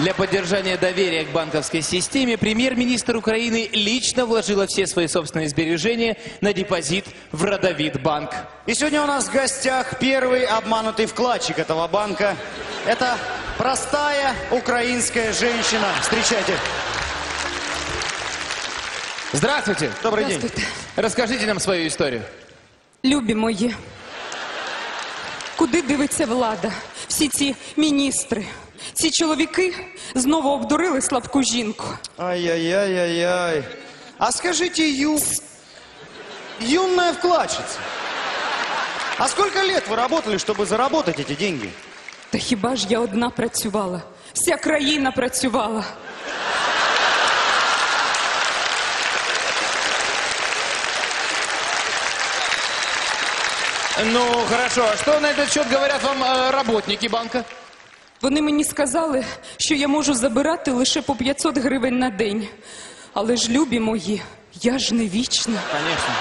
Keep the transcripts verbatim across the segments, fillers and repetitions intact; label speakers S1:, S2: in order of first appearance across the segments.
S1: Для поддержания доверия к банковской системе премьер-министр Украины лично вложила все свои собственные сбережения на депозит в Родовитбанк.
S2: И сегодня у нас в гостях первый обманутый вкладчик этого банка. Это простая украинская женщина. Встречайте.
S1: Здравствуйте.
S2: Добрый день.
S1: Расскажите нам свою историю.
S3: Любі мої, куди дивиться влада? Всі ці міністри, ці чоловіки знову обдурили слабку жінку.
S2: Ай-яй-яй-яй-яй. А скажите, ю... юная вкладчица, а сколько лет вы работали, чтобы заработать эти деньги?
S3: Та хіба ж я одна працювала? Вся країна працювала.
S1: Ну, хорошо. А что на этот счет говорят вам э, работники банка?
S3: Вони мені сказали, що я можу забирати лише по п'ятсот гривень на день. Але ж, любі мої, я ж не вічна.
S1: Конечно.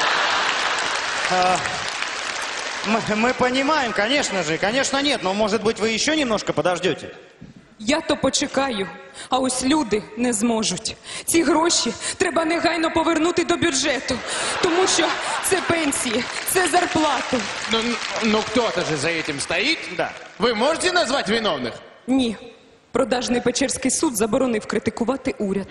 S2: А, мы, мы понимаем, конечно же, конечно нет, но может быть вы еще немножко подождете?
S3: Я то почекаю, а ось люди не зможуть. Ці гроші треба негайно повернути до бюджету, тому що це пенсії, це зарплати.
S1: Ну, ну кто-то же за этим стоит.
S2: Да.
S1: Вы можете назвать виновных?
S3: Ні, продажний Печерський суд заборонив критикувати уряд.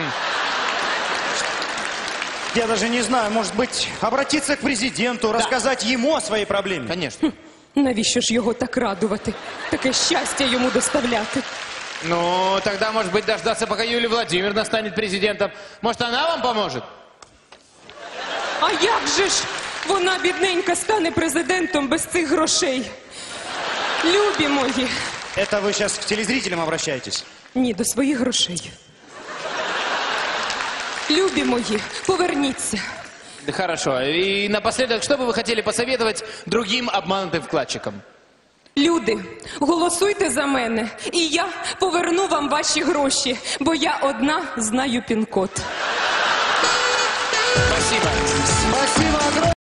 S2: Я даже не знаю, может быть, обратиться к президенту, рассказать ему о своей проблеме.
S1: Конечно.
S3: Навіщо ж його так радувати? Таке щастя йому доставляти.
S1: Ну, тогда, может быть, дождаться, пока Юлия Владимировна станет президентом. Может, она вам поможет?
S3: А як же ж вона, бідненька, стане президентом без цих грошей? Любі мої.
S2: Это вы сейчас к телезрителям обращаетесь?
S3: Ні, до своїх грошей. Любі мої, поверніться.
S1: Да хорошо. И напоследок, что бы вы хотели посоветовать другим обманутым вкладчикам?
S3: Люди, голосуйте за мене, і я поверну вам ваші гроші, бо я одна знаю пін-код.
S1: Спасибо.
S2: Спасибо огромное.